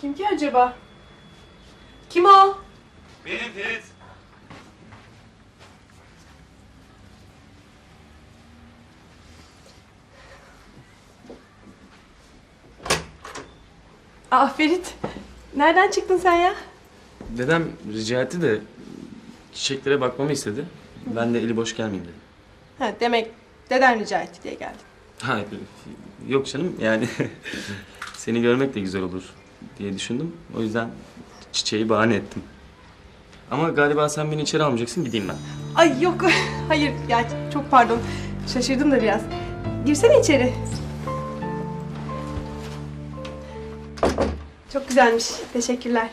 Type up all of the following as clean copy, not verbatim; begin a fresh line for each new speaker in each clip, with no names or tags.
Kim ki acaba? Kim o?
Benim Ferit.
Aa Ferit. Nereden çıktın sen ya?
Dedem rica etti de çiçeklere bakmamı istedi. Ben de eli boş gelmeyeyim dedim.
Ha, demek deden rica etti diye geldin.
Hayır, yok canım yani seni görmek de güzel olur diye düşündüm. O yüzden çiçeği bahane ettim. Ama galiba sen beni içeri almayacaksın, gideyim ben.
Ay yok. Hayır ya, çok pardon. Şaşırdım da biraz. Girsene içeri. Çok güzelmiş. Teşekkürler.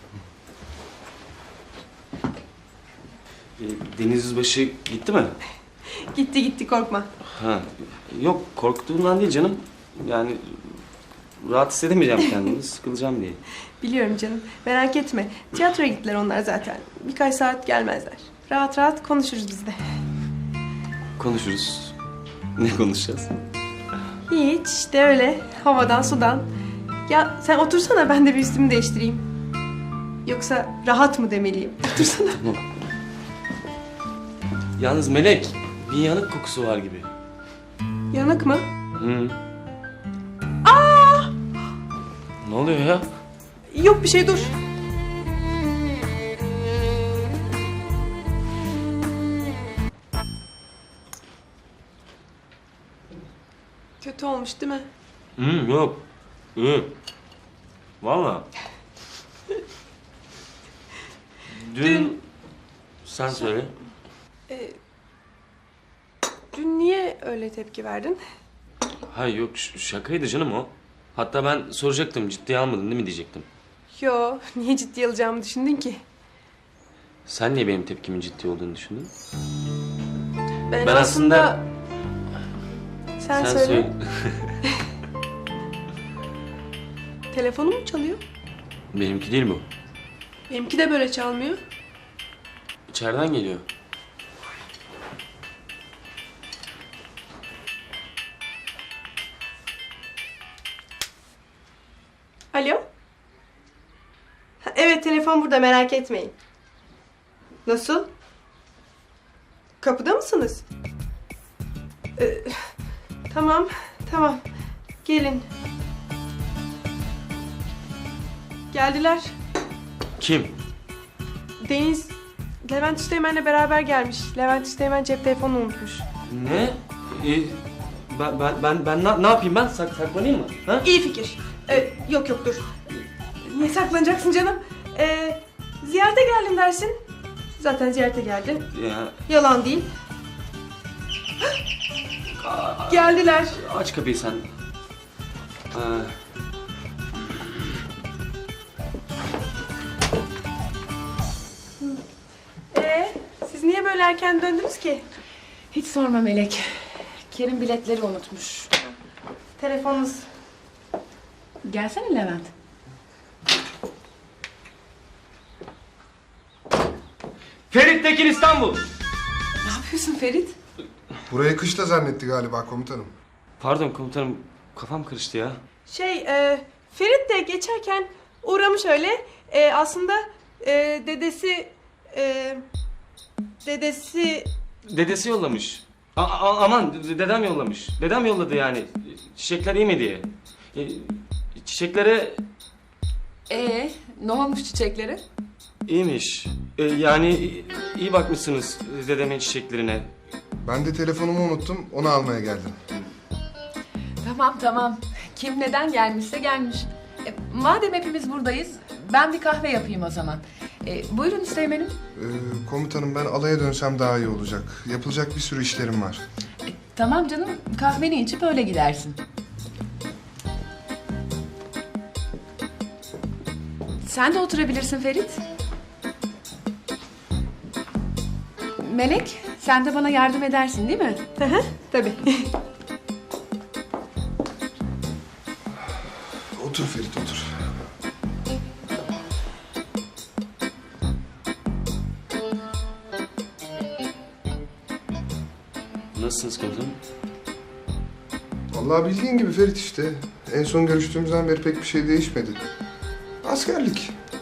Deniz Yüzbaşı gitti mi?
Gitti gitti, korkma.
Ha, yok korktuğumdan değil canım. Yani rahat hissedemeyeceğim kendimi, sıkılacağım diye.
Biliyorum canım. Merak etme. Tiyatroya gittiler onlar zaten. Birkaç saat gelmezler. Rahat rahat konuşuruz biz de.
Konuşuruz. Ne konuşacağız?
Hiç işte öyle. Havadan sudan. Ya sen otursana, ben de bir üstümü değiştireyim. Yoksa rahat mı demeliyim? Otursana.
Tamam. Yalnız Melek, bir yanık kokusu var gibi.
Yanık mı?
Hı. Aa! Ne oluyor ya?
Yok bir şey, dur. Kötü olmuş değil mi?
Yok. İyi. Valla. Dün... Sen söyle.
Dün niye öyle tepki verdin?
Hayır yok, şakaydı canım o. Hatta ben soracaktım, ciddiye almadın değil mi diyecektim.
Yo, niye ciddiye alacağımı düşündün ki?
Sen niye benim tepkimin ciddi olduğunu düşündün?
Ben
aslında...
Sen söyle. Telefonum mu çalıyor?
Benimki değil bu.
Benimki de böyle çalmıyor.
İçeriden geliyor.
Alo? Ha, evet, telefon burada, merak etmeyin. Nasıl? Kapıda mısınız? Tamam, tamam. Gelin. Geldiler.
Kim?
Deniz, Levent Üsteğmen'le beraber gelmiş. Levent Üsteğmen cep telefonunu unutmuş.
Ne? Ben ne yapayım ben? Saklanayım mı? Ha?
İyi fikir. Yok yok, dur. Niye saklanacaksın canım? Ziyarete geldim dersin. Zaten ziyarete geldin.
Ya,
Yalan değil. Geldiler.
aç kapıyı sen.
Siz niye böyle erken döndünüz ki?
Hiç sorma Melek. Kerim biletleri unutmuş.
Telefonunuz.
Gelsene Levent.
Ferit Tekin İstanbul.
Ne yapıyorsun Ferit?
Burayı kışla zannetti galiba komutanım.
Pardon komutanım, kafam karıştı ya.
Ferit de geçerken uğramış öyle. Aslında dedesi...
Dedesi yollamış. Aman dedem yollamış. Dedem yolladı yani. Çiçekler iyi mi diye. Çiçeklere
Ne olmuş çiçeklere?
iyiymiş. Yani iyi bakmışsınız dedemin çiçeklerine.
Ben de telefonumu unuttum, onu almaya geldim.
Tamam. Kim neden gelmişse gelmiş. Madem hepimiz buradayız, ben bir kahve yapayım o zaman. Buyurun Üsteğmen'im.
Komutanım ben alaya dönsem daha iyi olacak. Yapılacak bir sürü işlerim var.
Tamam canım, kahveni içip öyle gidersin. Sen de oturabilirsin Ferit. Melek, sen de bana yardım edersin değil mi?
Tabii.
Otur Ferit, otur.
Nasılsınız komutanım?
Vallahi bildiğin gibi Ferit işte. En son görüştüğümüzden beri pek bir şey değişmedi. Askerlik.